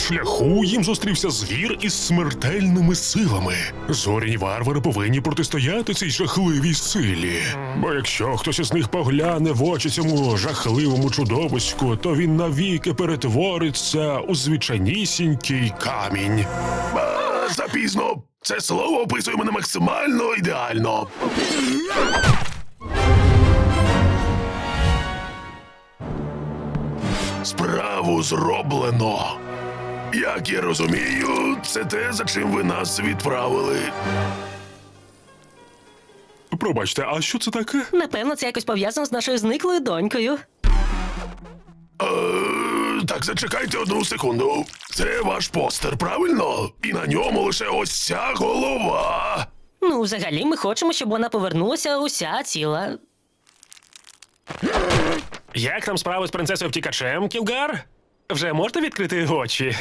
шляху їм зустрівся звір із смертельними силами. Зоряні варвари повинні протистояти цій жахливій силі. Бо якщо хтось із них погляне в очі цьому жахливому чудовиську, то він навіки перетвориться у звичайнісінький камінь. Запізно. Це слово описує мене максимально ідеально. Справу зроблено. Як я розумію, це те, за чим ви нас відправили. Пробачте, а що це таке? Напевно, це якось пов'язано з нашою зниклою донькою. Так, зачекайте одну секунду. Це ваш постер, правильно? І на ньому лише ось ця голова. Ну, взагалі, ми хочемо, щоб вона повернулася уся ціла. Як там справи з принцесою втікачем, Кілгар? Вже можете відкрити очі?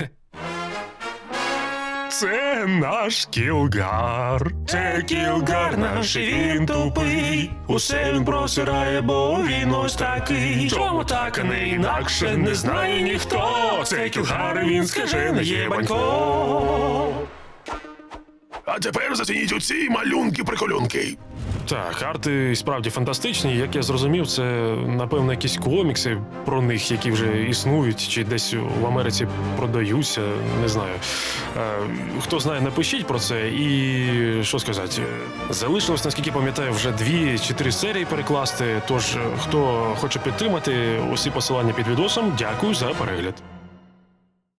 Це наш Кілгар. Це Кілгар наш, і він тупий. Усе він просирає, бо він ось такий. Чому так, а не інакше, не знає ніхто. Це Кілгар, і він скажений єбанько. А тепер зацініть оці малюнки-приколюнки. Так, арти справді фантастичні. Як я зрозумів, це, напевно, якісь комікси про них, які вже існують, чи десь в Америці продаються, не знаю. Хто знає, напишіть про це. І що сказати, залишилось, наскільки пам'ятаю, вже 2 чи 3 серії перекласти. Тож, хто хоче підтримати, усі посилання під відосом, дякую за перегляд.